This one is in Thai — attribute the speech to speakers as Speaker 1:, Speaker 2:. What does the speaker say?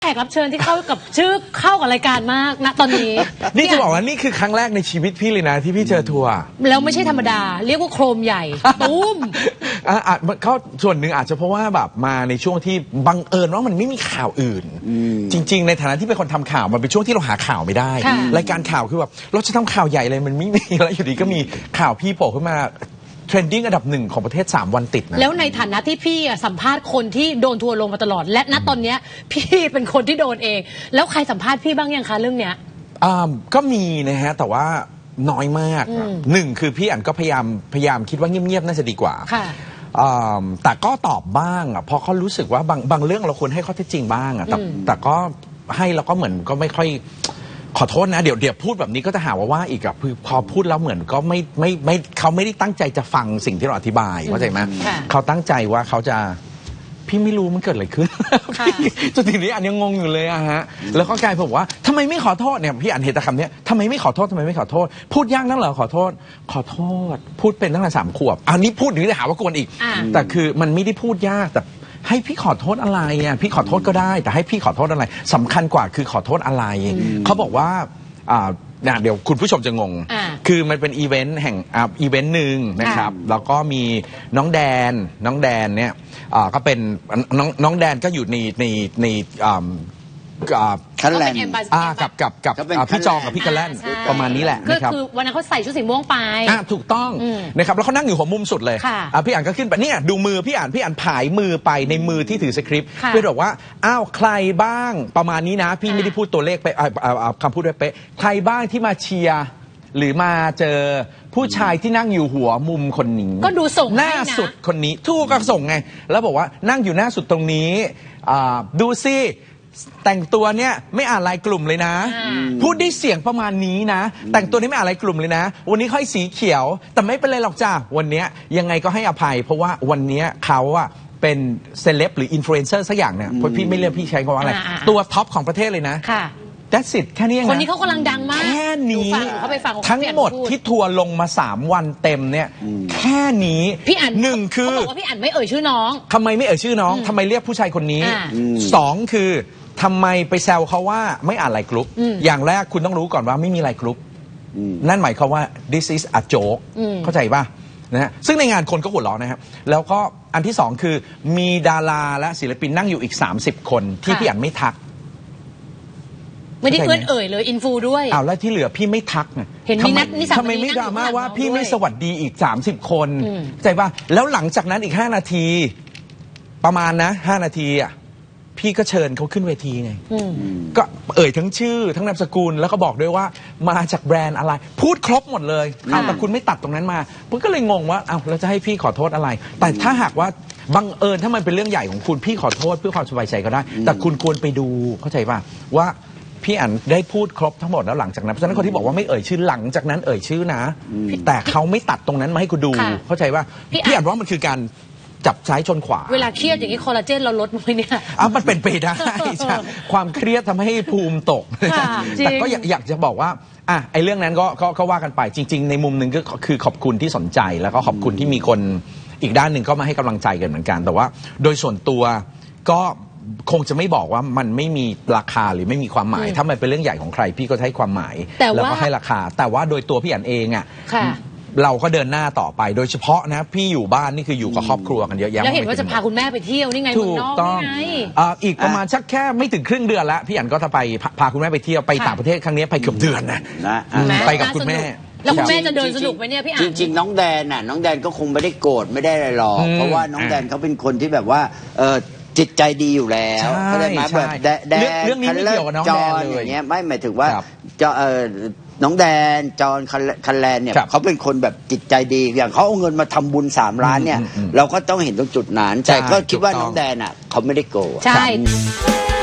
Speaker 1: แขกรับเชิญที่เข้ากับชื่อเข้ากับรายการมากนะตอนนี้
Speaker 2: นี่จะบอกว่านี่คือครั้งแรกในชีวิตพี่เลยนะที่พี่เจอทัวร์
Speaker 1: แล้วไม่ใช่ธรรมดา เรียกว่าโครมใหญ่ตุ้ม
Speaker 2: อาจเขาส่วนหนึ่งอาจจะเพราะว่าแบบมาในช่วงที่บังเอิญว่ามันไม่มีข่าวอื่นจริงๆในฐานะที่เป็นคนทำข่าวมันเป็นช่วงที่เราหาข่าวไม่ได้รายการข่าวคือแบบเราจะทำข่าวใหญ่เลยมันไม่มีแล้วอยู่ดีก็มีข่าวพี่โผล่ขึ้นมาเทรนดิ้งอันดับ1ของประเทศ3 วันติดนะ
Speaker 1: แล้วในฐานะที่พี่สัมภาษณ์คนที่โดนทัวร์ลงมาตลอดและณตอนเนี้ยพี่เป็นคนที่โดนเองแล้วใครสัมภาษณ์พี่บ้างยังคะเรื่องเนี้ย
Speaker 2: ก็มีนะฮะแต่ว่าน้อยมากหนึ่งคือพี่อันก็พยายามคิดว่าเงียบๆน่าจะดีกว่าแต่ก็ตอบบ้างเพราะเขารู้สึกว่าบางเรื่องเราควรให้ข้อเท็จจริงบ้างแต่ก็ให้แล้วก็เหมือนก็ไม่ค่อยขอโทษนะเดี๋ยวพูดแบบนี้ก็จะหาว่าอีกอะคือพอพูดแล้วเหมือนก็ไม่เขาไม่ได้ตั้งใจจะฟังสิ่งที่เราอธิบายเข้าใจไหมเขาตั้งใจว่าเขาจะพี่ไม่รู้มันเกิดอะไรขึ้นจนทีนี้อันยังงงอยู่เลยอะฮะแล้วก็กลายบอกว่าทำไมไม่ขอโทษเนี่ยพี่อ่านเห็นแต่คำนี้ทำไมไม่ขอโทษทำไมไม่ขอโทษพูดยากนักเหรอขอโทษพูดเป็นตั้งแต่3 ขวบอันนี้พูดถึงได้หาว่ากวนอีกแต่คือมันไม่ได้พูดยากแต่ให้พี่ขอโทษอะไรอ่ะพี่ขอโทษก็ได้แต่ให้พี่ขอโทษอะไรสำคัญกว่าคือขอโทษอะไรเขาบอกว่าเดี๋ยวคุณผู้ชมจะงงคือมันเป็นอีเวนต์แห่งอีเวนต์หนึ่งนะครับแล้วก็มีน้องแดนเนี่ยก็เป็นน้องแดนก็อยู่ใน
Speaker 3: คันแลน
Speaker 2: กับพี่จองกับพี่กันแลนประมาณนี้แหละนะครับ
Speaker 1: คือวันนั้นเขาใส่ชุดสีม่วงไป
Speaker 2: ถูกต้องนะครับแล้วเขานั่งอยู่หัวมุมสุดเลยพี่อ่านก็ขึ้นไปเนี่ยดูมือพี่อ่านผายมือไปในมือที่ถือสคริปต์เพื่อบอกว่าอ้าวใครบ้างประมาณนี้นะพี่ไม่ได้พูดตัวเลขไปคำพูดด้วยเป๊ะใครบ้างที่มาเชียร์หรือมาเจอผู้ชายที่นั่งอยู่หัวมุมคนนี้
Speaker 1: ก็ดูส่ง
Speaker 2: หน้าสุดคนนี้ทูกก็ส่งไงแล้วบอกว่านั่งอยู่หน้าสุดตรงนี้ดูซิแต่งตัวเนี่ยไม่อ่านรายกลุ่มเลยนะพูดได้เสียงประมาณนี้นะแต่งตัวนี้ไม่อ่านรายกลุ่มเลยนะวันนี้ค่อยสีเขียวแต่ไม่เป็นไรหรอกจ้าวันนี้ยังไงก็ให้อภัยเพราะว่าวันนี้เขาอะเป็นเซเลบหรืออินฟลูเอนเซอร์สักอย่างเนี่ยเพราะพี่ไม่เรียกพี่ใช้คำว่าอะไรตัวท็อปของประเทศเลยนะThat's it แค่นี้เองนะ
Speaker 1: คนนี้เขากำลังดังมาก
Speaker 2: แค่นี้
Speaker 1: ทั้
Speaker 2: งหมดที่ทัวร์ลงมา3 วันเต็มเนี่ยแค่นี้
Speaker 1: พี่อ่าน
Speaker 2: หนึ่งคือ
Speaker 1: เขาบอกว่าพี่อ่านไม่เอ่ยชื่อน้อง
Speaker 2: ทำไมไม่เอ่ยชื่อน้องทำไมเรียกผู้ชายคนนี้2คือทำไมไปแซวเขาว่าไม่อ่านไลน์กรุ๊ปอย่างแรกคุณต้องรู้ก่อนว่าไม่มีไลน์กรุ๊ปนั่นหมายความว่า this is a joke เข้าใจป่ะนะฮะซึ่งในงานคนก็หัวเราะนะครับแล้วก็อันที่2คือมีดาราและศิลปินนั่งอยู่อีก30 คนที่พี่อ่านไม่ทัก
Speaker 1: ไม่ได้เพื่อนเอ่ยเลยอินฟูด้วย
Speaker 2: แล้วที่เหลือพี่ไม่ทัก
Speaker 1: เห็นมีนัดนิสัย
Speaker 2: ทำไมไม่ดราม่าว่าพี่ไม่สวัสดีอีก30 คนใจป่ะแล้วหลังจากนั้นอีก5 นาทีประมาณนะ5 นาทีอ่ะพี่ก็เชิญเขาขึ้นเวทีไงก็เอ่ยทั้งชื่อทั้งนามสกุลแล้วก็บอกด้วยว่ามาจากแบรนด์อะไรพูดครบหมดเลยแต่คุณไม่ตัดตรงนั้นมาผมก็เลยงงว่าเราจะให้พี่ขอโทษอะไรแต่ถ้าหากว่าบังเอิญถ้ามันเป็นเรื่องใหญ่ของคุณพี่ขอโทษเพื่อความสบายใจก็ได้แต่คุณควรไปดูเข้าใจป่ะว่าพี่อันได้พูดครบทั้งหมดแล้วหลังจากนั้นเพราะฉะนั้นคนที่บอกว่าไม่เอ่ยชื่อหลังจากนั้นเอ่ยชื่อนะแต่เขาไม่ตัดตรงนั้นมาให้คุณดูเข้าใจว่าพี่อันว่ามันคือการจับซ้ายชนขวา
Speaker 1: เวลาเครียดอย่างนี้คอลลาเจนเราลดมั้ยเนี่ย
Speaker 2: มันเป็นไปได้ความเครียดทำให้ภูมิตกแต่ก็อยากจะบอกว่าไอ้เรื่องนั้นก็ว่ากันไปจริงๆในมุมหนึ่งก็คือขอบคุณที่สนใจแล้วก็ขอบคุณที่มีคนอีกด้านหนึ่งก็มาให้กำลังใจกันเหมือนกันแต่ว่าโดยส่วนตัวก็คงจะไม่บอกว่ามันไม่มีราคาหรือไม่มีความหมายถ้ามันเป็นเรื่องใหญ่ของใครพี่ก็ให้ความหมายแล้วก็ให้ราคาแต่ว่าโดยตัวพี่อันเองเราก็เดินหน้าต่อไปโดยเฉพาะนะพี่อยู่บ้านนี่คืออยู่กับครอบครัวกันเยอะแยะ
Speaker 1: แล้วเห็นว่าจะพาคุณแม่ไปเที่ยวนี่ไงเมืองนอกนี่ไง
Speaker 2: อีกประมาณสักแค่ไม่ถึงครึ่งเดือนแล้วพี่อันก็จะไปพาคุณแม่ไปเที่ยวไปต่างประเทศครั้งนี้ไปเกือบเดือนนะไปกับคุณแม่
Speaker 1: แล้วคุณแม่จะเดินสนุกไหมเนี่ยพี่อัน
Speaker 3: จริงๆน้องแดนก็คงไม่ได้โกรธไม่ได้อะไรหรอกเพราะว่าน้องแดนเขาเป็นคนที่แบบว่าจิตใจดีอยู่แล้วเขาได้มาแบบแดน
Speaker 2: เรื่องนี้ไม่เกี่ยวกับน้องแดนเลย
Speaker 3: อย่างเงี้ยไม่หมายถึงว่าน้องแดนจอนคันแลนเนี่ยเขาเป็นคนแบบจิตใจดีอย่างเขาเอาเงินมาทำบุญ3 ล้านเนี่ยเราก็ต้องเห็นตรงจุดนั้นแต่ก็คิดว่าน้องแดนเขาไม่ได้โกรธ
Speaker 1: ใช่